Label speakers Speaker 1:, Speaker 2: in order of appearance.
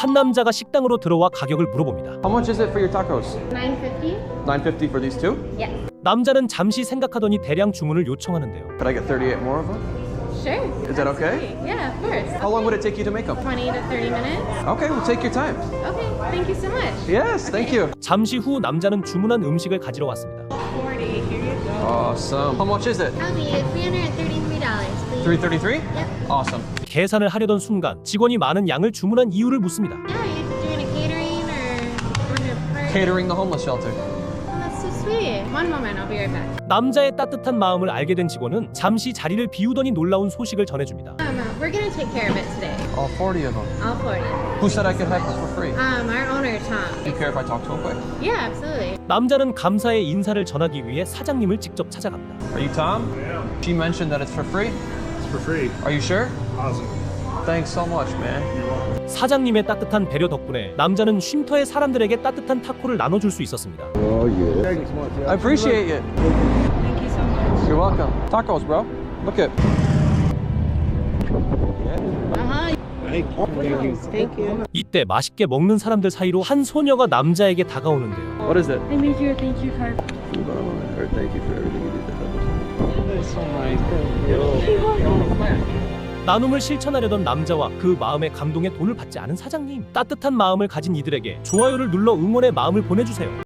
Speaker 1: 한 남자가 식당으로 들어와 가격을 물어봅니다.
Speaker 2: How much is it for your tacos?
Speaker 3: $9.50?
Speaker 2: $9.50 for these two?
Speaker 3: Yes.
Speaker 1: 남자는 잠시 생각하더니 대량 주문을 요청하는데요.
Speaker 2: Could I get 38 more of them?
Speaker 3: Sure.
Speaker 2: Is that okay?
Speaker 3: Yeah, of course.
Speaker 2: How long would it take you to make them?
Speaker 3: 20 to 30 minutes.
Speaker 2: Okay, well, take your time.
Speaker 3: Okay, thank you so much.
Speaker 2: Yes, thank you.
Speaker 1: 잠시 후 남자는 주문한 음식을 가지러 왔습니다.
Speaker 3: 40, here you go.
Speaker 2: Awesome. How much is it?
Speaker 3: I'll be $333, please.
Speaker 2: $333?
Speaker 3: Yep.
Speaker 2: Awesome.
Speaker 1: 계산을 하려던 순간 직원이 많은 양을 주문한 이유를 묻습니다.
Speaker 3: Yeah, you're doing a catering or doing a party?
Speaker 2: Catering the homeless shelter.
Speaker 3: Oh, that's so sweet. One moment, I'll be right back.
Speaker 1: 남자의 따뜻한 마음을 알게 된 직원은 잠시 자리를 비우더니 놀라운 소식을 전해줍니다.
Speaker 3: We're gonna take care of it today.
Speaker 2: All 40 of them.
Speaker 3: All 40.
Speaker 2: Who said I could have this for free?
Speaker 3: Our owner, Tom.
Speaker 2: Do you care if I talk to him quick?
Speaker 3: Yeah, absolutely.
Speaker 1: 남자는 감사의 인사를 전하기 위해 사장님을 직접 찾아갑니다.
Speaker 2: Are you Tom?
Speaker 4: Yeah,
Speaker 2: She mentioned that it's for free.
Speaker 4: it's for free.
Speaker 2: Are you sure?
Speaker 4: Awesome.
Speaker 2: Thanks so much, man.
Speaker 4: You're welcome.
Speaker 1: 사장님의 따뜻한 배려 덕분에 남자는 쉼터의 사람들에게 따뜻한 타코를 나눠줄 수 있었습니다.
Speaker 2: I appreciate it.
Speaker 3: Thank you so much.
Speaker 2: You're welcome. Tacos, bro. Look at.
Speaker 3: Thank you.
Speaker 1: 이때 맛있게 먹는 사람들 사이로 한 소녀가 남자에게 다가오는데요.
Speaker 2: What is it?
Speaker 3: I made you a thank you card.
Speaker 2: Thank you for everything you did to help us.
Speaker 1: 나눔을 실천하려던 남자와 그 마음의 감동에 돈을 받지 않은 사장님. 따뜻한 마음을 가진 이들에게 좋아요를 눌러 응원의 마음을 보내주세요.